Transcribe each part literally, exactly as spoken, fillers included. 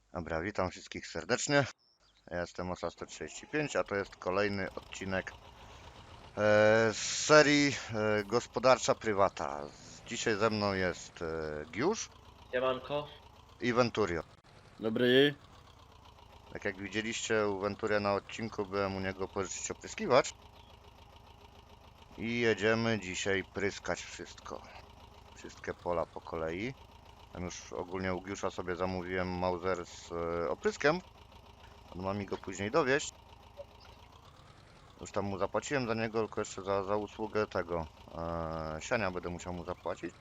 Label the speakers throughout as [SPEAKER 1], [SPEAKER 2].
[SPEAKER 1] Dobra, witam wszystkich serdecznie. Ja jestem Osa sto trzydzieści pięć, a to jest kolejny odcinek e, z serii e, Gospodarcza Prywata. Z- Dzisiaj ze mną jest e, Giusz
[SPEAKER 2] Siemanko.
[SPEAKER 1] i Venturio.
[SPEAKER 3] Dobry.
[SPEAKER 1] Tak jak widzieliście u Venturia na odcinku, byłem u niego pożyczyć opryskiwacz. I jedziemy dzisiaj pryskać wszystko. Wszystkie pola po kolei. Tam już ogólnie u Giusza sobie zamówiłem Mauser z e, opryskiem. On ma mi go później dowieść. Już tam mu zapłaciłem za niego, tylko jeszcze za, za usługę tego e, siania będę musiał mu zapłacić.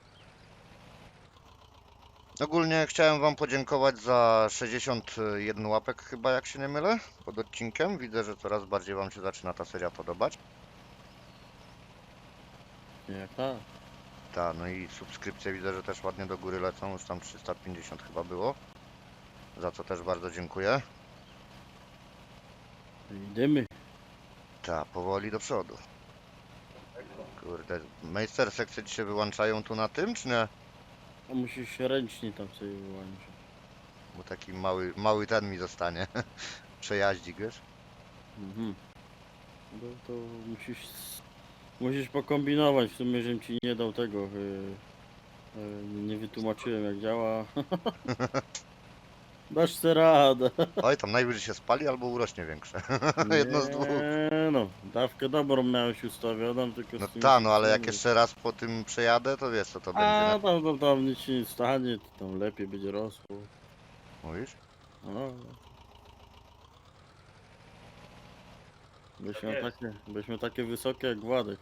[SPEAKER 1] Ogólnie chciałem wam podziękować za sześćdziesiąt jeden łapek chyba, jak się nie mylę, pod odcinkiem. Widzę, że coraz bardziej wam się zaczyna ta seria podobać.
[SPEAKER 3] Jak tak?
[SPEAKER 1] Ta, no i subskrypcje widzę, że też ładnie do góry lecą, już tam trzysta pięćdziesiąt chyba było. Za co też bardzo dziękuję.
[SPEAKER 3] Idziemy.
[SPEAKER 1] Ta, powoli do przodu. Kurde, Meister sekcje ci się wyłączają tu na tym, czy nie?
[SPEAKER 3] A musisz się ręcznie tam sobie wyłączyć.
[SPEAKER 1] Bo taki mały, mały ten mi zostanie. Przejaździk, wiesz?
[SPEAKER 3] Mhm. No to musisz... Musisz pokombinować, w sumie, żebym ci nie dał tego. Yy, yy, nie wytłumaczyłem jak działa. Dasz sobie radę.
[SPEAKER 1] Oj, tam najwyżej się spali albo urośnie większe. Jedno z dwóch.
[SPEAKER 3] Nie no, dawkę dobrą miałeś ustawioną, tylko
[SPEAKER 1] No
[SPEAKER 3] z tymi
[SPEAKER 1] ta, no ale jak
[SPEAKER 3] wszystkimi-
[SPEAKER 1] jeszcze raz po tym przejadę, to wiesz co to będzie,
[SPEAKER 3] A
[SPEAKER 1] nie?
[SPEAKER 3] tam, tam, tam nic się nie stanie, to tam lepiej będzie rosło.
[SPEAKER 1] Mówisz?
[SPEAKER 3] No. Byśmy
[SPEAKER 2] jest.
[SPEAKER 3] takie, byśmy takie wysokie jak Władek.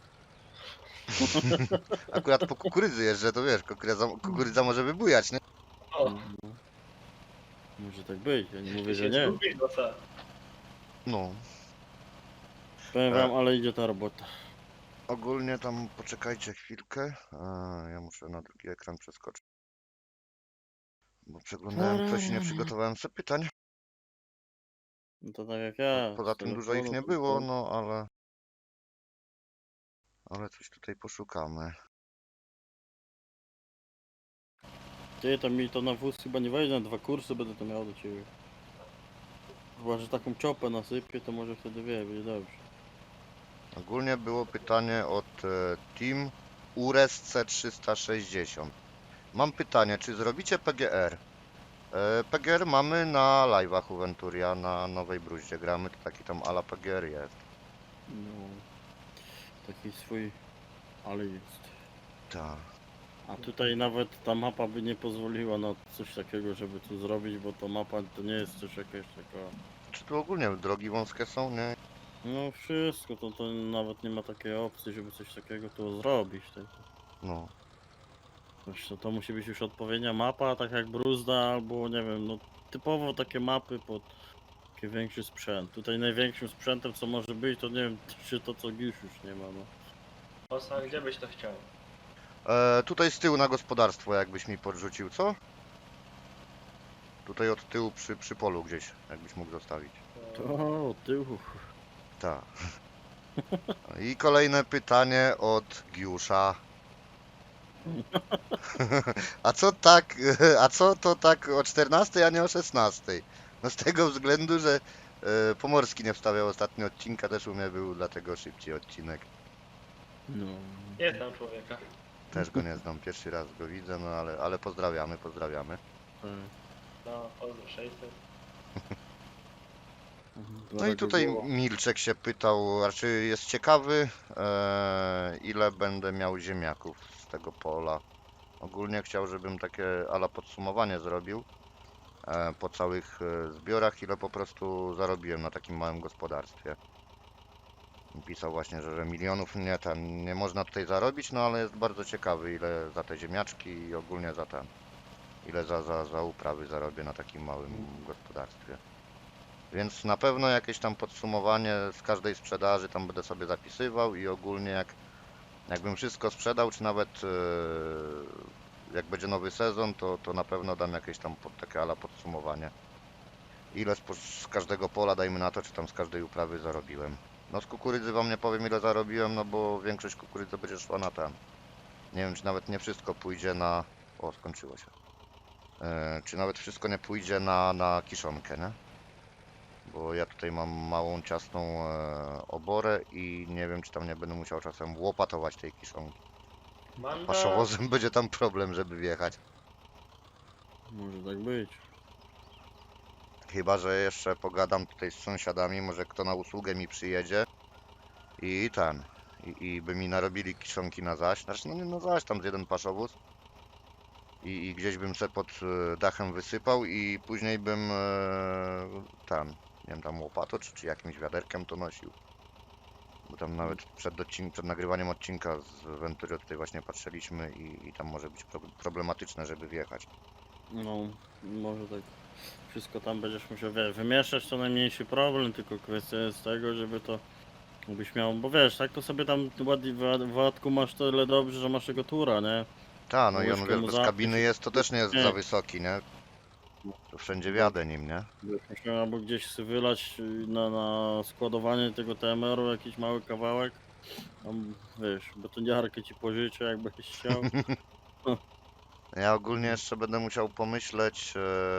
[SPEAKER 1] Akurat po kukurydzy jeżdżę, to wiesz, kukurydza, kukurydza może wybujać, nie?
[SPEAKER 2] O,
[SPEAKER 3] No. Może tak być, ja nie mówię,
[SPEAKER 2] ty
[SPEAKER 3] że
[SPEAKER 2] się
[SPEAKER 3] nie.
[SPEAKER 2] zgubisz, no co?
[SPEAKER 1] No.
[SPEAKER 3] Powiem
[SPEAKER 1] E.
[SPEAKER 3] wam, ale idzie ta robota.
[SPEAKER 1] Ogólnie tam poczekajcie chwilkę. A, ja muszę na drugi ekran przeskoczyć. Bo przeglądałem coś i nie przygotowałem sobie pytań.
[SPEAKER 3] No to tak jak ja.
[SPEAKER 1] Poza
[SPEAKER 3] z
[SPEAKER 1] tym dużo ich
[SPEAKER 3] telefonu
[SPEAKER 1] nie
[SPEAKER 3] tylko.
[SPEAKER 1] było, no ale... Ale coś tutaj poszukamy.
[SPEAKER 3] Ty, to mi to na wóz chyba nie wejdzie, na dwa kursy będę to miał do ciebie. Chyba, że taką czopę nasypię, to może wtedy wie, będzie dobrze.
[SPEAKER 1] Ogólnie było pytanie od e, Team Ures C trzysta sześćdziesiąt. Mam pytanie, czy zrobicie P G R? E, P G R mamy na live'ach u Venturia, na Nowej Bruździe gramy, to taki tam ala P G R jest.
[SPEAKER 3] No. Taki swój, ale jest.
[SPEAKER 1] Tak.
[SPEAKER 3] A tutaj nawet ta mapa by nie pozwoliła na coś takiego, żeby tu zrobić, bo ta mapa to nie jest coś jakaś taka...
[SPEAKER 1] Czy tu ogólnie drogi wąskie są, nie?
[SPEAKER 3] No wszystko, to, to nawet nie ma takiej opcji, żeby coś takiego tu zrobić. Tak.
[SPEAKER 1] No.
[SPEAKER 3] Wiesz, to, to musi być już odpowiednia mapa, tak jak Bruzda, albo nie wiem, no typowo takie mapy pod taki większy sprzęt. Tutaj największym sprzętem co może być, to nie wiem, czy to co Giusz już nie ma, no.
[SPEAKER 2] Osa, gdzie byś to chciał?
[SPEAKER 1] E, tutaj z tyłu na gospodarstwo jakbyś mi podrzucił, co? Tutaj od tyłu przy, przy polu gdzieś, jakbyś mógł zostawić.
[SPEAKER 3] To od tyłu.
[SPEAKER 1] Tak. I kolejne pytanie od Giusza. A co tak, a co to tak o czternastej, a nie o szesnastej? No z tego względu, że e, Pomorski nie wstawiał ostatnio odcinka, też u mnie był, dlatego szybciej odcinek.
[SPEAKER 3] No.
[SPEAKER 2] Nie znam człowieka.
[SPEAKER 1] Też go nie znam, pierwszy raz go widzę, no ale, ale pozdrawiamy, pozdrawiamy.
[SPEAKER 3] Tak.
[SPEAKER 2] No, pozdro sześćset.
[SPEAKER 1] No i tutaj Milczek się pytał, raczej jest ciekawy, e, ile będę miał ziemniaków z tego pola. Ogólnie chciał, żebym takie ala podsumowanie zrobił e, po całych e, zbiorach, ile po prostu zarobiłem na takim małym gospodarstwie. Pisał właśnie, że, że milionów nie, ten, nie można tutaj zarobić, no ale jest bardzo ciekawy, ile za te ziemniaczki i ogólnie za ten, ile za, za, za uprawy zarobię na takim małym gospodarstwie. Więc na pewno jakieś tam podsumowanie z każdej sprzedaży tam będę sobie zapisywał i ogólnie jak jakbym wszystko sprzedał, czy nawet e, jak będzie nowy sezon, to, to na pewno dam jakieś tam pod, takie ala podsumowanie. Ile z, z każdego pola, dajmy na to, czy tam z każdej uprawy zarobiłem. No z kukurydzy wam nie powiem ile zarobiłem, no bo większość kukurydzy będzie szła na ten. Nie wiem, czy nawet nie wszystko pójdzie na... O, skończyło się. e, czy nawet wszystko nie pójdzie na, na kiszonkę, nie? Bo ja tutaj mam małą, ciasną e, oborę i nie wiem, czy tam nie będę musiał czasem łopatować tej kiszonki.
[SPEAKER 2] Manda,
[SPEAKER 1] Paszowozem będzie tam problem, żeby wjechać.
[SPEAKER 3] Może tak być.
[SPEAKER 1] Chyba że jeszcze pogadam tutaj z sąsiadami, może kto na usługę mi przyjedzie i ten. I, i by mi narobili kiszonki na zaś. Znaczy, no nie na zaś, tam z jeden paszowóz. I, i gdzieś bym se pod e, dachem wysypał i później bym e, ten, nie wiem, tam łopatą czy, czy jakimś wiaderkiem to nosił. Bo tam nawet przed, odcin- przed nagrywaniem odcinka z Venturio tutaj właśnie patrzyliśmy i, i tam może być pro- problematyczne, żeby wjechać.
[SPEAKER 3] No, może tak. Wszystko tam będziesz musiał, wiesz, wymieszać, to najmniejszy problem, tylko kwestia jest tego, żeby to byś miał, bo wiesz, tak to sobie tam ładnie w w Władku masz tyle dobrze, że masz tego tura, nie?
[SPEAKER 1] Ta, no i on
[SPEAKER 3] Łyżkę
[SPEAKER 1] wiesz,
[SPEAKER 3] mu
[SPEAKER 1] bez
[SPEAKER 3] zapić
[SPEAKER 1] kabiny
[SPEAKER 3] i-
[SPEAKER 1] jest, to też nie jest
[SPEAKER 3] nie.
[SPEAKER 1] za wysoki, nie? To wszędzie wjadę nim, nie?
[SPEAKER 3] Musiał albo gdzieś sobie wylać y, na, na składowanie tego T M R-u jakiś mały kawałek. Tam, wiesz, betoniarkę ci pożyczę, jakbyś chciał.
[SPEAKER 1] Ja ogólnie jeszcze będę musiał pomyśleć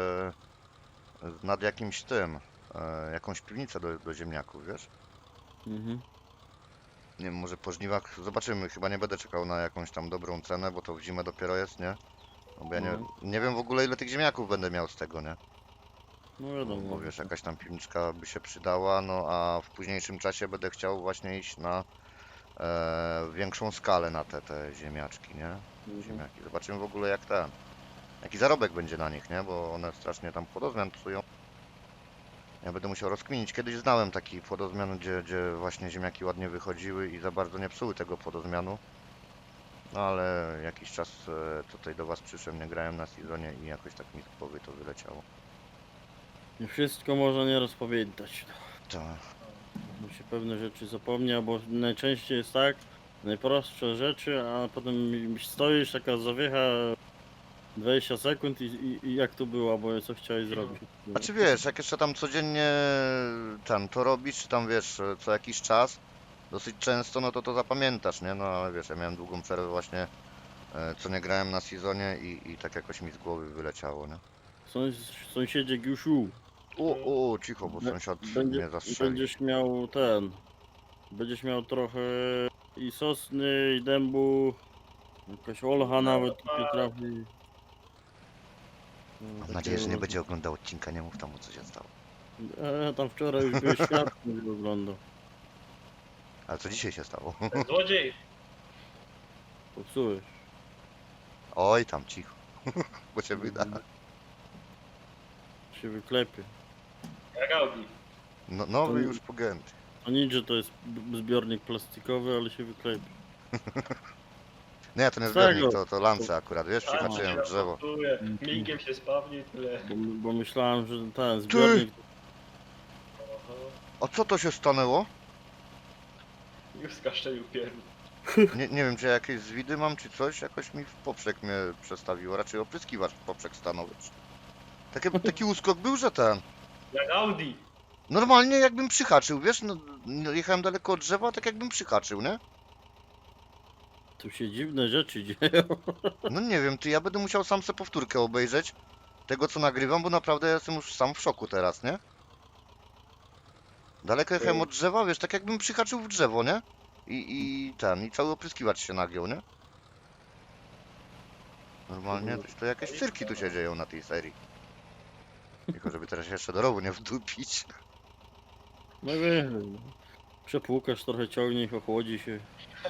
[SPEAKER 1] e, nad jakimś tym, e, jakąś piwnicę do, do ziemniaków, wiesz?
[SPEAKER 3] Mhm.
[SPEAKER 1] Nie wiem, może po żniwach zobaczymy, chyba nie będę czekał na jakąś tam dobrą cenę, bo to w zimę dopiero jest, nie? No bo ja nie,
[SPEAKER 3] No.
[SPEAKER 1] nie wiem w ogóle ile tych ziemniaków będę miał z tego, nie?
[SPEAKER 3] No
[SPEAKER 1] Bo,
[SPEAKER 3] wiadomo.
[SPEAKER 1] bo wiesz, jakaś tam piwniczka by się przydała, no a w późniejszym czasie będę chciał właśnie iść na e, większą skalę na te, te ziemniaczki, nie?
[SPEAKER 3] Mhm.
[SPEAKER 1] Ziemniaki. Zobaczymy w ogóle jak ten, jaki zarobek będzie na nich, nie? Bo one strasznie tam płodozmian psują. Ja będę musiał rozkminić. Kiedyś znałem taki płodozmian, gdzie, gdzie właśnie ziemniaki ładnie wychodziły i za bardzo nie psuły tego płodozmianu. No ale jakiś czas e, tutaj do was przyszedłem, nie grałem na sezonie i jakoś tak mi z głowy to wyleciało.
[SPEAKER 3] Nie wszystko można nieraz pamiętać.
[SPEAKER 1] To,
[SPEAKER 3] Bo się pewne rzeczy zapomnia, bo najczęściej jest tak, najprostsze rzeczy, a potem stoisz, taka zawiecha dwadzieścia sekund i, i, i jak to było, bo co chciałeś zrobić.
[SPEAKER 1] znaczy wiesz, jak jeszcze tam codziennie tam to robisz, czy tam wiesz, e, co jakiś czas, dosyć często, no to to zapamiętasz, nie? No ale wiesz, ja miałem długą przerwę właśnie, e, co nie grałem na sezonie i, i tak jakoś mi z głowy wyleciało, nie?
[SPEAKER 3] Sąs sąsiedzie Giuszu,
[SPEAKER 1] O, o, cicho, bo
[SPEAKER 3] Be-
[SPEAKER 1] sąsiad
[SPEAKER 3] będzie,
[SPEAKER 1] mnie zastrzeli.
[SPEAKER 3] będziesz miał ten, będziesz miał trochę i sosny, i dębu, jakaś olcha nawet tutaj trafi. No,
[SPEAKER 1] Mam nadzieję, że nie
[SPEAKER 3] takiego-
[SPEAKER 1] będzie oglądał odcinka, nie mów tam o co się stało.
[SPEAKER 3] A ja tam wczoraj już byłeś świadkiem, że oglądał.
[SPEAKER 1] Ale co dzisiaj się stało?
[SPEAKER 2] złodziej.
[SPEAKER 3] Popsułeś.
[SPEAKER 1] Oj, tam cicho, bo cię wyda.
[SPEAKER 3] Się wyklepie.
[SPEAKER 2] Jak Audi.
[SPEAKER 1] No, nowy
[SPEAKER 3] To-
[SPEAKER 1] już pogięty.
[SPEAKER 3] To nic, że to jest b- zbiornik plastikowy, ale się wyklepie.
[SPEAKER 1] Nie, to nie
[SPEAKER 3] Z
[SPEAKER 1] zbiornik,
[SPEAKER 3] tego.
[SPEAKER 1] to, to lance akurat, wiesz,
[SPEAKER 2] A,
[SPEAKER 1] przyhaczyłem
[SPEAKER 2] się
[SPEAKER 1] w drzewo.
[SPEAKER 2] rapportuje,
[SPEAKER 3] Mhm.
[SPEAKER 2] Migiem się spawni i tyle.
[SPEAKER 3] Bo, bo myślałem, że ten zbiornik...
[SPEAKER 2] Oho.
[SPEAKER 1] A co to się stanęło?
[SPEAKER 2] Już skaszczelił pierdol.
[SPEAKER 1] Nie, nie wiem, czy ja jakieś zwidy mam, czy coś, jakoś mi w poprzek mnie przestawiło, raczej opryskiwacz w poprzek stanął. wiesz. Taki, taki uskok był, że ten,
[SPEAKER 2] Jak Audi.
[SPEAKER 1] normalnie jakbym przyhaczył, wiesz, no, no, jechałem daleko od drzewa, tak jakbym przyhaczył, nie?
[SPEAKER 3] Tu się dziwne rzeczy dzieją.
[SPEAKER 1] No nie wiem, ty, ja będę musiał sam sobie powtórkę obejrzeć tego, co nagrywam, bo naprawdę jestem już sam w szoku teraz, nie? Daleko jechałem od drzewa, wiesz, tak jakbym przyhaczył w drzewo, nie? I, i ten, i cały opryskiwacz się nagiął, nie? Normalnie, to, to jakieś cyrki tu się dzieją na tej serii. Tylko żeby teraz jeszcze do rowu nie wdupić.
[SPEAKER 3] No wiem. Przepłukasz, trochę ciągnie, ochłodzi się.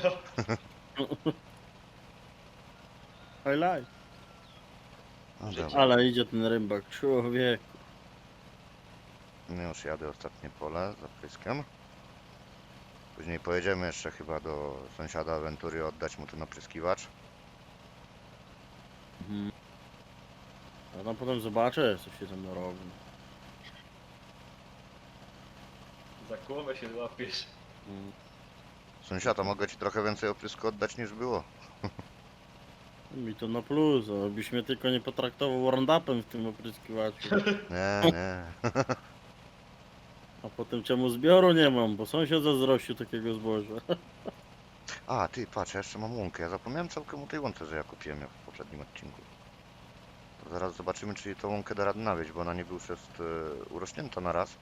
[SPEAKER 3] Highlight.
[SPEAKER 1] No dobra,
[SPEAKER 3] Ale idzie ten rybak, człowiek.
[SPEAKER 1] no już jadę ostatnie pole za pryskiem. Później pojedziemy jeszcze chyba do sąsiada Aventury oddać mu ten opryskiwacz.
[SPEAKER 3] Mhm. A tam potem zobaczę, co się tam robi.
[SPEAKER 2] Za głowę się złapiesz.
[SPEAKER 3] Mhm.
[SPEAKER 1] Sąsiada, mogę ci trochę więcej oprysku oddać niż było.
[SPEAKER 3] Mi to na plus, abyś mnie tylko nie potraktował roundupem w tym opryskiwaczu.
[SPEAKER 1] Nie, nie.
[SPEAKER 3] A potem czemu zbioru nie mam, bo sąsiad zazdrościł takiego zboża.
[SPEAKER 1] A, ty, patrz, ja jeszcze mam łąkę. Ja zapomniałem całkiem o tej łące, że ja kupiłem ją w poprzednim odcinku. To zaraz zobaczymy, czy tą łąkę da radę nawieźć, bo ona niby już jest e, urośnięta na raz.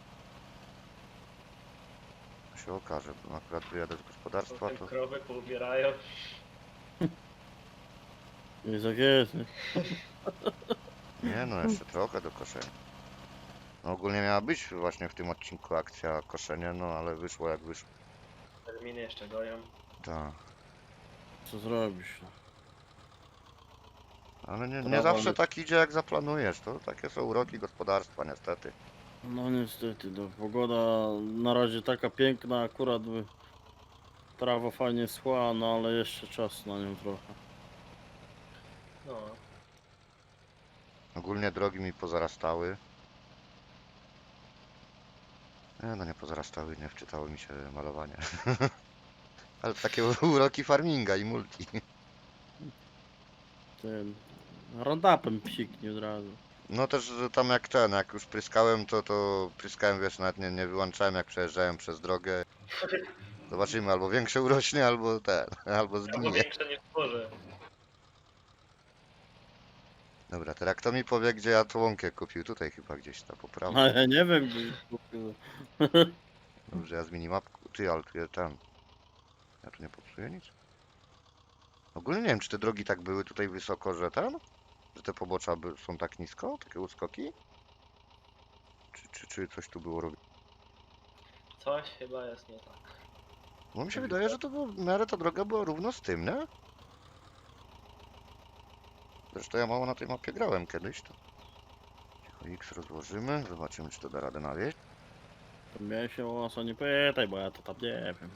[SPEAKER 1] To się okaże, bo akurat wyjadę z gospodarstwa,
[SPEAKER 2] Potem
[SPEAKER 1] to...
[SPEAKER 2] krowy poubierają.
[SPEAKER 3] Jest jak jest, nie?
[SPEAKER 1] Nie no, jeszcze trochę do koszenia. No ogólnie miała być właśnie w tym odcinku akcja koszenie, no ale wyszło jak wyszło.
[SPEAKER 2] Terminy jeszcze goją.
[SPEAKER 1] Tak.
[SPEAKER 3] Co zrobisz? No?
[SPEAKER 1] Ale nie, nie
[SPEAKER 3] Trawa
[SPEAKER 1] zawsze
[SPEAKER 3] leci.
[SPEAKER 1] tak idzie jak zaplanujesz, to takie są uroki gospodarstwa niestety.
[SPEAKER 3] No niestety, no, pogoda na razie taka piękna, akurat by trawa fajnie schła, no ale jeszcze czas na nią trochę.
[SPEAKER 2] No.
[SPEAKER 1] Ogólnie drogi mi pozarastały. Nie, no nie pozarastały, nie wczytało mi się malowanie. Ale to takie uroki farminga i multi.
[SPEAKER 3] Ten roundupem psiknie od razu.
[SPEAKER 1] No też że tam jak ten, jak już pryskałem, to to pryskałem, wiesz, nawet nie, nie wyłączałem jak przejeżdżałem przez drogę. Zobaczymy, albo większe urośnie, albo ten, albo
[SPEAKER 2] Albo
[SPEAKER 1] zgnije.
[SPEAKER 2] większe nie tworzę.
[SPEAKER 1] Dobra, teraz kto mi powie, gdzie ja tą łąkę kupił? Tutaj chyba gdzieś ta po prawo.
[SPEAKER 3] A ja nie wiem, gdzie jest kupił.
[SPEAKER 1] Dobrze, ja z minimapku. Ty, ale tu jest ten. Ja tu nie popsuję nic. Ogólnie nie wiem, czy te drogi tak były tutaj wysoko, że ten? Że te pobocza by, są tak nisko? Takie uskoki? Czy, czy, czy coś tu było robione?
[SPEAKER 2] Coś chyba jest nie tak.
[SPEAKER 1] Bo mi się wydaje, że to było, w miarę ta droga była równo z tym, nie? Zresztą ja mało na tej mapie grałem kiedyś, to... Cicho X rozłożymy, zobaczymy, czy to da radę nawieźć.
[SPEAKER 3] To mnie się o co nie pytaj, bo ja to tam nie wiem.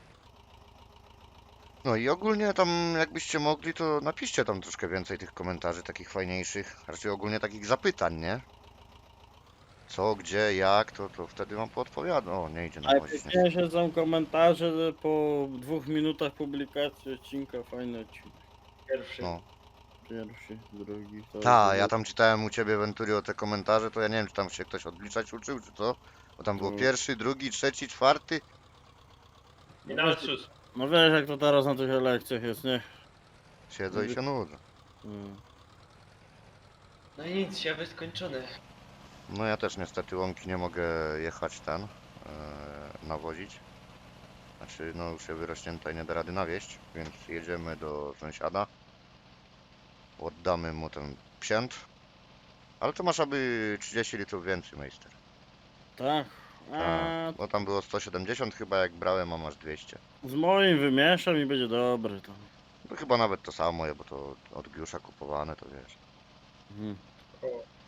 [SPEAKER 1] No i ogólnie tam, jakbyście mogli, to napiszcie tam troszkę więcej tych komentarzy, takich fajniejszych. Raczej ogólnie takich zapytań, nie? Co, gdzie, jak, to, to wtedy wam poodpowiadam. O, nie idzie nawozić. Nie.
[SPEAKER 3] Najpiękniejsze są komentarze że po dwóch minutach publikacji odcinka, fajny odcinek.
[SPEAKER 2] Pierwszy.
[SPEAKER 1] No.
[SPEAKER 3] Pierwszy, drugi, to
[SPEAKER 1] Ta, ja tam czytałem u ciebie, Venturio, te komentarze, to ja nie wiem, czy tam się ktoś odliczać uczył, czy co? Bo tam było
[SPEAKER 3] To-
[SPEAKER 1] pierwszy, drugi, trzeci, czwarty.
[SPEAKER 2] I nawet szósty.
[SPEAKER 3] No wiesz jak to teraz na tych lekcjach jest, nie?
[SPEAKER 1] Siedzą i się nudzą.
[SPEAKER 3] Mm.
[SPEAKER 2] No i nic, siewy skończony.
[SPEAKER 1] No ja też niestety łąki nie mogę jechać ten, e, nawozić. Znaczy, no już się wyrośnięta i nie da rady nawieść, więc jedziemy do sąsiada. Oddamy mu ten psięt. Ale to masz aby trzydzieści litrów więcej, majster.
[SPEAKER 3] Tak. A
[SPEAKER 1] Tak, bo tam było sto siedemdziesiąt chyba jak brałem, a masz dwieście.
[SPEAKER 3] z moim wymieszam i będzie dobry to.
[SPEAKER 1] No chyba nawet to samo, bo to od Giusza kupowane, to wiesz.
[SPEAKER 3] Mhm.
[SPEAKER 2] O,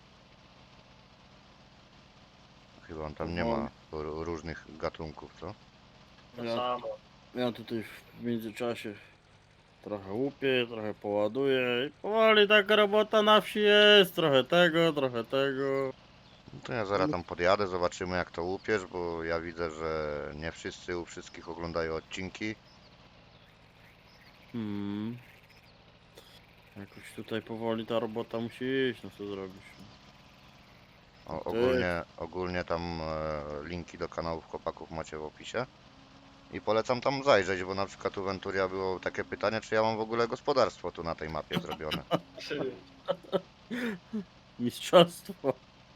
[SPEAKER 1] Chyba on tam nie ma r- różnych gatunków, co?
[SPEAKER 2] to
[SPEAKER 3] Ja,
[SPEAKER 2] samo.
[SPEAKER 3] ja tutaj w międzyczasie trochę łupię, trochę poładuję i powoli taka robota na wsi jest. Trochę tego, trochę tego.
[SPEAKER 1] No to ja zaraz tam podjadę, zobaczymy jak to łupiesz, bo ja widzę, że nie wszyscy u wszystkich oglądają odcinki.
[SPEAKER 3] Hmm. Jakoś tutaj powoli ta robota musi iść, no co zrobisz?
[SPEAKER 1] O,
[SPEAKER 3] Ty.
[SPEAKER 1] ogólnie, ogólnie tam e, linki do kanałów chłopaków macie w opisie. I polecam tam zajrzeć, bo na przykład u Venturia było takie pytanie, czy ja mam w ogóle gospodarstwo tu na tej mapie zrobione.
[SPEAKER 2] Trzy.
[SPEAKER 3] Mistrzostwo.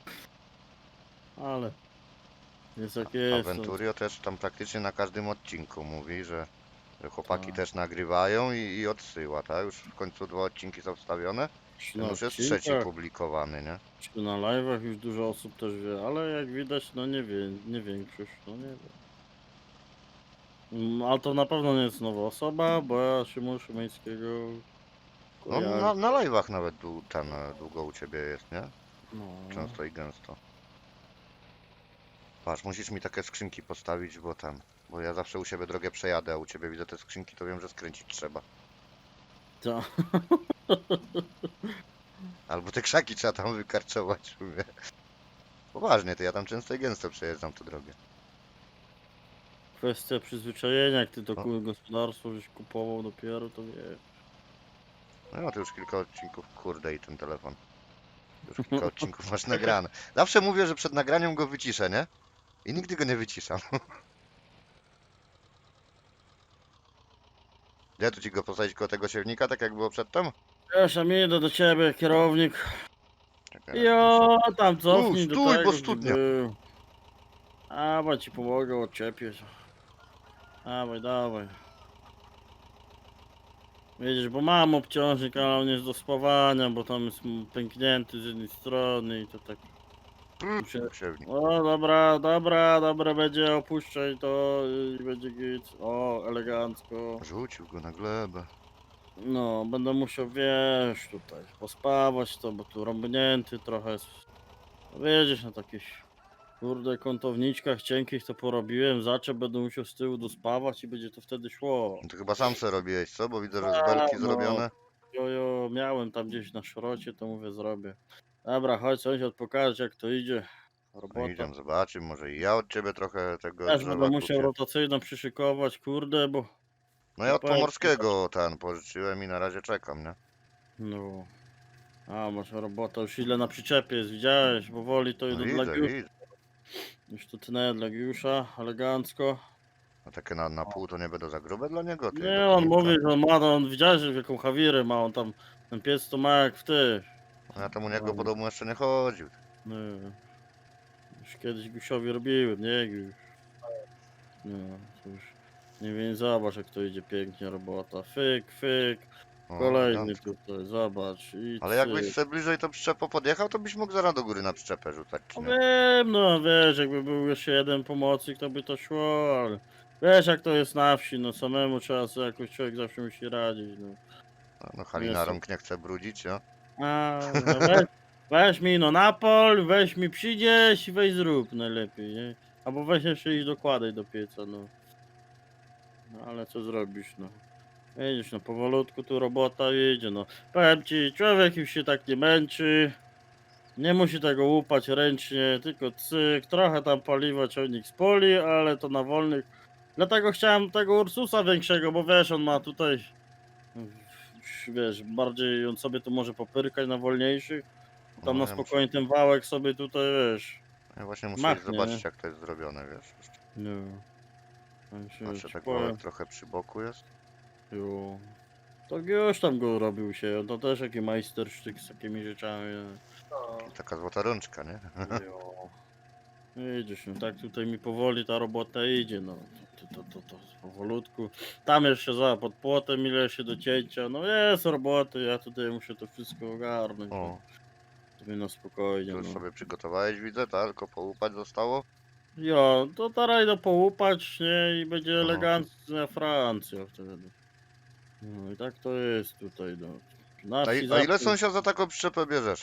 [SPEAKER 3] Ale jest jak
[SPEAKER 1] A
[SPEAKER 3] jest. no.
[SPEAKER 1] Venturio też tam praktycznie na każdym odcinku mówi, że, że chłopaki
[SPEAKER 3] Tak.
[SPEAKER 1] też nagrywają i, i odsyła, tak? Już w końcu dwa odcinki są wstawione.
[SPEAKER 3] Czy
[SPEAKER 1] Ten
[SPEAKER 3] na
[SPEAKER 1] już jest
[SPEAKER 3] odcinkach,
[SPEAKER 1] trzeci publikowany, nie?
[SPEAKER 3] czy na live'ach już dużo osób też wie, ale jak widać, no nie wie, nie większość, no nie wiem. Mm, Ale to na pewno nie jest nowa osoba, bo ja Szymon Szymańskiego
[SPEAKER 1] No
[SPEAKER 3] kojarzę.
[SPEAKER 1] na, na live'ach nawet dłu- ten e, długo u ciebie jest, nie?
[SPEAKER 3] No.
[SPEAKER 1] Często i gęsto. Patrz, musisz mi takie skrzynki postawić, bo tam. Bo ja zawsze u siebie drogę przejadę, a u ciebie widzę te skrzynki, to wiem, że skręcić trzeba.
[SPEAKER 3] Ta.
[SPEAKER 1] Albo te krzaki trzeba tam wykarczować. Mówię. Poważnie, to ja tam często i gęsto przejeżdżam tę drogę.
[SPEAKER 3] Kwestia przyzwyczajenia, jak ty to
[SPEAKER 1] No.
[SPEAKER 3] ku- gospodarstwo żeś kupował dopiero, to wiesz.
[SPEAKER 1] No to już kilka odcinków, kurde i ten telefon. Już kilka odcinków masz nagrane. Zawsze mówię, że przed nagraniem go wyciszę, nie? I nigdy go nie wyciszam. Gdzie tu ci go postawić koło tego siewnika, tak jak było przedtem?
[SPEAKER 3] Wiesz, a mi idę do ciebie, kierownik.
[SPEAKER 1] Okej.
[SPEAKER 3] Jo, tam cofnij do
[SPEAKER 1] stój, bo
[SPEAKER 3] tego, gdzie
[SPEAKER 1] studnia.
[SPEAKER 3] był. A, bo ci pomogę, odczepię się. Dawaj, dawaj. Widzisz, bo mam obciążnik, ale on jest do spawania, bo tam jest m- pęknięty z jednej strony i to tak muszę...
[SPEAKER 1] Siewnik.
[SPEAKER 3] O, dobra, dobra, dobra, będzie, opuszczaj to i będzie git. O, elegancko.
[SPEAKER 1] Rzucił go na glebę.
[SPEAKER 3] No, będę musiał, wiesz, tutaj pospawać to, bo tu rąbnięty trochę jest. No, Wiedziesz, na takich, kurde, kątowniczkach cienkich to porobiłem, zaczep będę musiał z tyłu dospawać i będzie to wtedy szło.
[SPEAKER 1] No to chyba sam se robiłeś, co? Bo widzę, że z
[SPEAKER 3] A,
[SPEAKER 1] belki
[SPEAKER 3] no.
[SPEAKER 1] zrobione.
[SPEAKER 3] Jojo, miałem tam gdzieś na szrocie, to mówię, zrobię. Dobra, chodź sąsiad, pokażesz jak to idzie.
[SPEAKER 1] No
[SPEAKER 3] Robota.
[SPEAKER 1] idziemy, zobaczymy. Może i ja od ciebie trochę tego
[SPEAKER 3] Też
[SPEAKER 1] drzewa
[SPEAKER 3] będę musiał
[SPEAKER 1] kupię.
[SPEAKER 3] rotacyjną przyszykować, kurde, bo...
[SPEAKER 1] No ja od
[SPEAKER 3] powiem ci,
[SPEAKER 1] Pomorskiego ten pożyczyłem i na razie czekam, nie?
[SPEAKER 3] No... A, masz robota, już ile na przyczepie jest, widziałeś? Powoli to
[SPEAKER 1] No
[SPEAKER 3] idę dla
[SPEAKER 1] widzę,
[SPEAKER 3] Giusza.
[SPEAKER 1] widzę.
[SPEAKER 3] Już tu tnę dla Giusza, elegancko.
[SPEAKER 1] A takie na, na pół to nie będą za grube dla niego? Ty,
[SPEAKER 3] Nie,
[SPEAKER 1] do
[SPEAKER 3] on
[SPEAKER 1] kominka.
[SPEAKER 3] mówi, że on ma, no, on widziałeś w jaką chawirę ma, on tam, ten pies to ma jak w ty.
[SPEAKER 1] No ja tam u niego
[SPEAKER 3] No.
[SPEAKER 1] po domu jeszcze nie chodził.
[SPEAKER 3] Nie. Już kiedyś Gusiowi robiłem, nie Giuś. No, to już... Nie wiem, zobacz jak to idzie pięknie robota. Fyk, fyk.
[SPEAKER 1] O,
[SPEAKER 3] Kolejny
[SPEAKER 1] elegancko.
[SPEAKER 3] tutaj, zobacz. I
[SPEAKER 1] Ale jakbyś
[SPEAKER 3] cyk.
[SPEAKER 1] sobie bliżej to przyczepą podjechał, to byś mógł zaraz do góry na przyczepę rzucać, czy
[SPEAKER 3] No
[SPEAKER 1] nie?
[SPEAKER 3] wiem, no wiesz, jakby był jeszcze jeden pomocnik, to by to szło, ale wiesz jak to jest na wsi, no samemu trzeba sobie jakoś człowiek zawsze musi radzić, no.
[SPEAKER 1] No, no Halina
[SPEAKER 3] Jest.
[SPEAKER 1] rąk nie chce brudzić, no.
[SPEAKER 3] A, no weź, weź mi no na pol, weź mi przyjdziesz i weź zrób najlepiej, nie? Albo weź jeszcze iść dokładaj do pieca, no. No ale co zrobisz, no. Widzisz, no powolutku tu robota idzie, no. Powiem ci, człowiek już się tak nie męczy. Nie musi tego łupać ręcznie, tylko cyk, trochę tam paliwa ciągnik z poli, ale to na wolnych. Dlatego chciałem tego Ursusa większego, bo wiesz, on ma tutaj, wiesz, bardziej on sobie tu może popyrkać na wolniejszych. Tam
[SPEAKER 1] No,
[SPEAKER 3] na
[SPEAKER 1] ja
[SPEAKER 3] spokojnie ten wałek sobie tutaj, wiesz,
[SPEAKER 1] Ja właśnie muszę
[SPEAKER 3] machnie,
[SPEAKER 1] iść zobaczyć
[SPEAKER 3] nie?
[SPEAKER 1] jak to jest zrobione, wiesz.
[SPEAKER 3] No. Tam się
[SPEAKER 1] Patrzę,
[SPEAKER 3] ci
[SPEAKER 1] tak
[SPEAKER 3] powiem,
[SPEAKER 1] wałek trochę przy boku jest.
[SPEAKER 3] jo. Tak już tam go robił się, to też jaki majstersztyk z takimi rzeczami. nie?
[SPEAKER 2] No.
[SPEAKER 1] Taka złota rączka, nie?
[SPEAKER 3] Jo. Widzisz, no tak tutaj mi powoli ta robota idzie, no to, to, to, to powolutku. Tam jeszcze za pod płotem ile się do cięcia, no jest roboty, ja tutaj muszę to wszystko ogarnąć.
[SPEAKER 1] O,
[SPEAKER 3] no. Sobie na spokojnie,
[SPEAKER 1] to już
[SPEAKER 3] no.
[SPEAKER 1] sobie przygotowałeś, widzę, tak? Tylko połupać zostało?
[SPEAKER 3] Jo, to teraz idę połupać, nie, i będzie
[SPEAKER 1] Aha.
[SPEAKER 3] elegancka Francja wtedy. No i tak to jest tutaj, no. Na
[SPEAKER 1] A,
[SPEAKER 3] wsi
[SPEAKER 1] i, a
[SPEAKER 3] zawsze-
[SPEAKER 1] ile sąsiad za taką przyczepę bierzesz?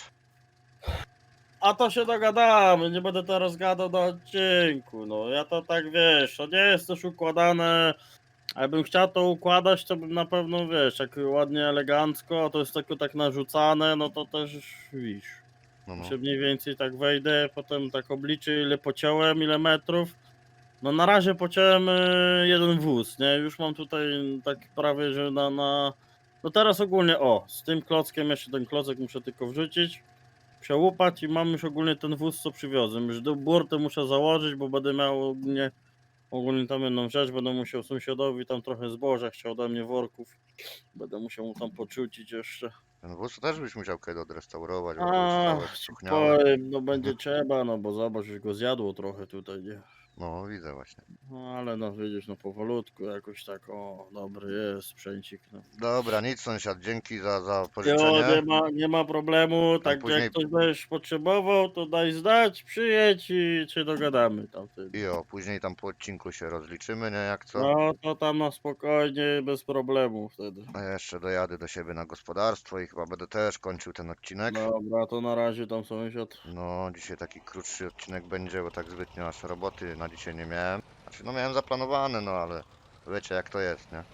[SPEAKER 3] A to się dogadamy, nie będę teraz gadał na odcinku, no ja to tak wiesz, to nie jest też układane, a jakbym chciał to układać, to bym na pewno wiesz, tak ładnie, elegancko, a to jest tylko tak narzucane, no to też widzisz,
[SPEAKER 1] No, no.
[SPEAKER 3] się mniej więcej tak wejdę, potem tak obliczę ile pociąłem, ile metrów, no na razie pociąłem y, jeden wóz, nie, już mam tutaj tak prawie, że na, na, no teraz ogólnie, o, z tym klockiem, jeszcze ten klocek muszę tylko wrzucić, przełupać i mam już ogólnie ten wóz co przywiozłem. Już do burty muszę założyć, bo będę miał ogólnie, ogólnie tam jedną rzecz, będę musiał sąsiadowi tam trochę zboża chciał ode mnie worków. Będę musiał mu tam poczucić jeszcze.
[SPEAKER 1] Ten wóz to też byś musiał kiedy odrestaurować, bo
[SPEAKER 3] A,
[SPEAKER 1] już całe
[SPEAKER 3] ci
[SPEAKER 1] spuchniałe.
[SPEAKER 3] powiem, no będzie trzeba, no bo zobacz, już go zjadło trochę tutaj, nie?
[SPEAKER 1] No, widzę właśnie.
[SPEAKER 3] No ale no widzisz, no powolutku jakoś tak, o, dobry jest sprzęcik, no.
[SPEAKER 1] Dobra, nic sąsiad, dzięki za, za
[SPEAKER 3] Jo, nie
[SPEAKER 1] pożyczenie.
[SPEAKER 3] ma, nie ma problemu, tak
[SPEAKER 1] później-
[SPEAKER 3] jak ktoś będziesz potrzebował, to daj znać, przyjedź i się dogadamy tam wtedy.
[SPEAKER 1] I o, później tam po odcinku się rozliczymy, nie? Jak co?
[SPEAKER 3] No to tam na spokojnie, bez problemu wtedy.
[SPEAKER 1] A ja jeszcze dojadę do siebie na gospodarstwo i chyba będę też kończył ten odcinek.
[SPEAKER 3] Dobra, to na razie tam sąsiad.
[SPEAKER 1] No, dzisiaj taki krótszy odcinek będzie, bo tak zbytnio aż roboty na dzisiaj nie miałem. Znaczy, no miałem zaplanowane, no ale wiecie jak to jest, nie?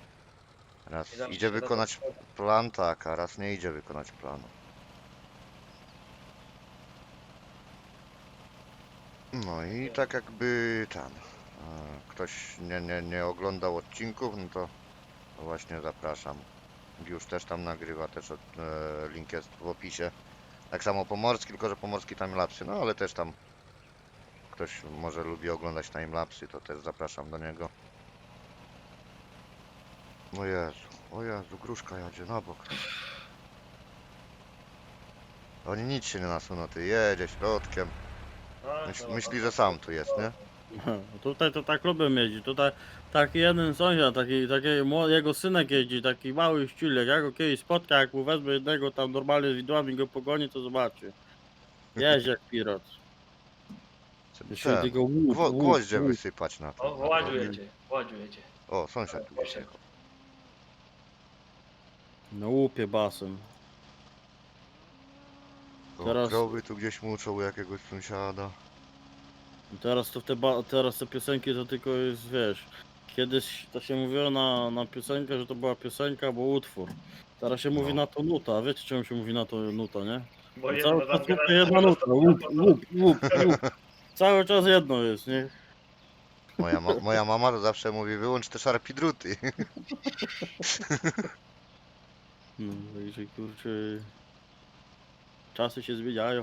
[SPEAKER 2] I
[SPEAKER 1] Raz
[SPEAKER 2] zawsze
[SPEAKER 1] idzie
[SPEAKER 2] się da
[SPEAKER 1] wykonać
[SPEAKER 2] tak-
[SPEAKER 1] plan, tak, a raz nie idzie wykonać planu. No i tak jakby tam e, ktoś nie, nie, nie oglądał odcinków, no to to właśnie zapraszam. Już też tam nagrywa, też od, e, link jest w opisie. Tak samo Pomorski, tylko że Pomorski timelapsy, no ale też tam ktoś może lubi oglądać timelapsy, to też zapraszam do niego. O Jezu, o Jezu, gruszka jadzie na bok. Oni nic się nie nasuną, ty jedzie środkiem.
[SPEAKER 2] A,
[SPEAKER 1] Myśl,
[SPEAKER 2] no,
[SPEAKER 1] myśli,
[SPEAKER 2] no,
[SPEAKER 1] że sam tu jest, nie?
[SPEAKER 3] No, tutaj to tak lubię jeździć. Tutaj taki jeden sąsiad, taki, taki mło- jego synek jeździ, taki mały ściulek. Ja go kiedyś spotkam, jak mu wezmę jednego tam normalnie z widłami go pogoni, to zobaczy. Jeździ jak pilot.
[SPEAKER 1] Żeby
[SPEAKER 3] Jeszcze
[SPEAKER 1] ten,
[SPEAKER 3] tylko łup,
[SPEAKER 1] gwo,
[SPEAKER 3] łup,
[SPEAKER 1] gwoździe
[SPEAKER 3] łup.
[SPEAKER 1] wysypać na
[SPEAKER 2] O,
[SPEAKER 1] to. Na
[SPEAKER 2] Władziu
[SPEAKER 1] drogi.
[SPEAKER 2] jedzie, Władziu jedzie.
[SPEAKER 1] O, sąsiad tu gdzieś
[SPEAKER 2] Poszedł.
[SPEAKER 1] jechał.
[SPEAKER 3] Na łupie basem.
[SPEAKER 1] O,
[SPEAKER 3] Teraz-
[SPEAKER 1] krowy tu gdzieś muczą u jakiegoś sąsiada.
[SPEAKER 3] Teraz to w te, ba- teraz te piosenki to tylko jest, wiesz, kiedyś to się mówiło na, na piosenkę, że to była piosenka, bo utwór. Teraz się mówi
[SPEAKER 1] No.
[SPEAKER 3] na to nuta, a wiecie czemu się mówi na to nuta, nie?
[SPEAKER 2] Bo
[SPEAKER 3] No
[SPEAKER 2] jedno
[SPEAKER 3] cały
[SPEAKER 2] tam
[SPEAKER 3] czas tylko
[SPEAKER 2] gada-
[SPEAKER 3] jedna nuta, łup, łup, łup, łup. Cały czas jedno jest, nie?
[SPEAKER 1] Moja, ma, moja mama to zawsze mówi, wyłącz te szarpi druty.
[SPEAKER 3] No, także kurczę, czasy się zmieniają.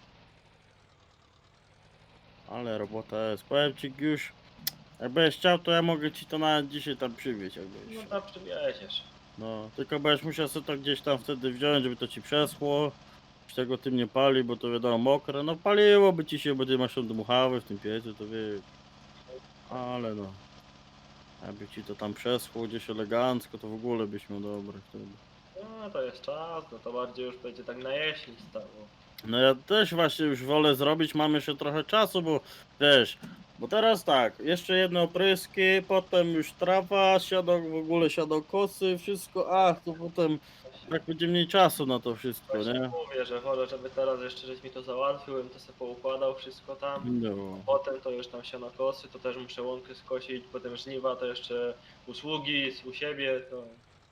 [SPEAKER 3] Ale robota jest. Powiem ci już, jakbyś chciał, to ja mogę ci to nawet dzisiaj tam przywieźć, jakbyś.
[SPEAKER 2] No tam przywieziesz.
[SPEAKER 3] No, tylko będziesz musiał sobie to gdzieś tam wtedy wziąć, żeby to ci przeschło. Z tego tym nie pali, bo to wiadomo mokre. No paliłoby ci się, bo ty masz tam dmuchawy w tym piecu, to wiesz. Ale no. Jakby ci to tam przeschło gdzieś elegancko, to w ogóle byś miał dobre wtedy.
[SPEAKER 2] No to jest czas, no to bardziej już będzie tak na jesień stało.
[SPEAKER 3] No ja też właśnie już wolę zrobić, mam jeszcze trochę czasu, bo wiesz, bo teraz tak, jeszcze jedne opryski, potem już trawa, siadą w ogóle siadą kosy, wszystko, ach, to potem tak będzie mniej czasu na to wszystko,
[SPEAKER 2] Właśnie
[SPEAKER 3] nie?
[SPEAKER 2] mówię, że wolę, żeby teraz jeszcze żeś mi to załatwił, bym to sobie poukładał wszystko tam.
[SPEAKER 3] No.
[SPEAKER 2] Potem to już tam siano kosy, to też muszę łąkę skosić, potem żniwa, to jeszcze usługi u siebie, to...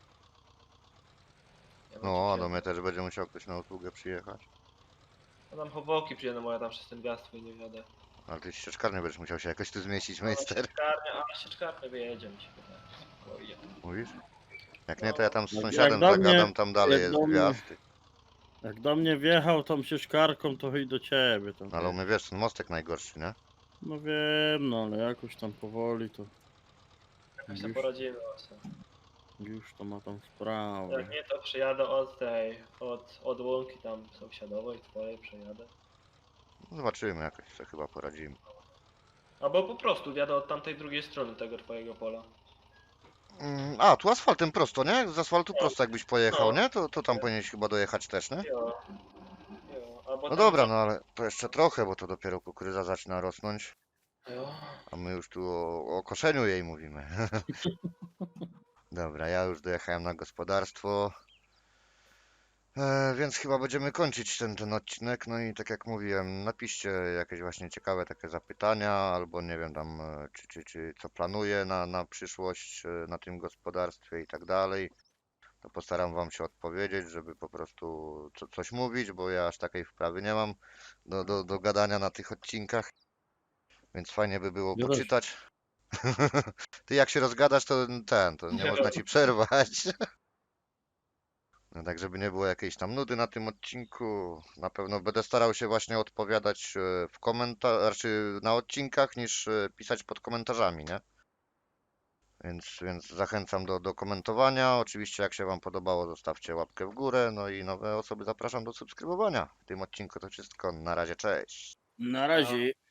[SPEAKER 2] Ja bym
[SPEAKER 1] No, a
[SPEAKER 2] ci
[SPEAKER 1] do
[SPEAKER 2] wziął.
[SPEAKER 1] mnie też będzie musiał ktoś na usługę przyjechać.
[SPEAKER 2] No tam chowoki przyjadę, bo ja tam przez ten gaz twój nie wiadę.
[SPEAKER 1] Ale ty ścieczkarnie będziesz musiał się jakoś tu zmieścić,
[SPEAKER 2] No,
[SPEAKER 1] meister.
[SPEAKER 2] sieczkarnia, a sieczkarnia wyjedzie mi się wydaje. Spokojnie.
[SPEAKER 1] Mówisz? Jak nie, to ja tam z
[SPEAKER 3] Jak-
[SPEAKER 1] sąsiadem
[SPEAKER 3] jak do mnie-
[SPEAKER 1] zagadam, tam dalej
[SPEAKER 3] jak
[SPEAKER 1] jest
[SPEAKER 3] do mnie-
[SPEAKER 1] gwiazd.
[SPEAKER 3] Jak do mnie wjechał tą sieczkarką, to i do ciebie tam.
[SPEAKER 1] Ale u mnie wiesz, ten mostek najgorszy, nie?
[SPEAKER 3] No wiem, no ale jakoś tam powoli to
[SPEAKER 2] Jakoś sobie
[SPEAKER 3] już,
[SPEAKER 2] poradzimy właśnie.
[SPEAKER 3] już to ma tam sprawę.
[SPEAKER 2] Jak nie, to przyjadę od tej, od, od łąki tam sąsiadowej, twojej przejadę.
[SPEAKER 1] Zobaczymy, jakoś sobie chyba poradzimy.
[SPEAKER 2] Albo po prostu wjadę od tamtej drugiej strony tego twojego pola.
[SPEAKER 1] Mm, A, tu asfaltem prosto, nie? Z asfaltu
[SPEAKER 2] No.
[SPEAKER 1] prosto jakbyś pojechał,
[SPEAKER 2] No.
[SPEAKER 1] nie? To, to tam powinieneś chyba dojechać też, nie?
[SPEAKER 2] Jo. Jo. Albo
[SPEAKER 1] No
[SPEAKER 2] tam
[SPEAKER 1] dobra,
[SPEAKER 2] za-
[SPEAKER 1] no ale to jeszcze trochę, bo to dopiero kukurydza zaczyna rosnąć,
[SPEAKER 2] Jo.
[SPEAKER 1] a my już tu o, o koszeniu jej mówimy. Dobra, ja już dojechałem na gospodarstwo. E, więc chyba będziemy kończyć ten, ten odcinek. No i tak jak mówiłem, napiszcie jakieś właśnie ciekawe takie zapytania, albo nie wiem tam, e, czy, czy, czy co planuję na, na przyszłość e, na tym gospodarstwie i tak dalej. To postaram wam się odpowiedzieć, żeby po prostu co, coś mówić, bo ja aż takiej wprawy nie mam do, do, do gadania na tych odcinkach. Więc fajnie by było
[SPEAKER 3] Ja też.
[SPEAKER 1] poczytać. Ty jak się rozgadasz, to ten, to nie można ci przerwać. No tak, żeby nie było jakiejś tam nudy na tym odcinku. Na pewno będę starał się właśnie odpowiadać e, w komentarzach, znaczy na odcinkach, niż e, pisać pod komentarzami, nie? Więc, więc zachęcam do, do komentowania. Oczywiście, jak się Wam podobało, zostawcie łapkę w górę. No i nowe osoby zapraszam do subskrybowania. W tym odcinku to wszystko. Na razie, cześć.
[SPEAKER 3] Na razie.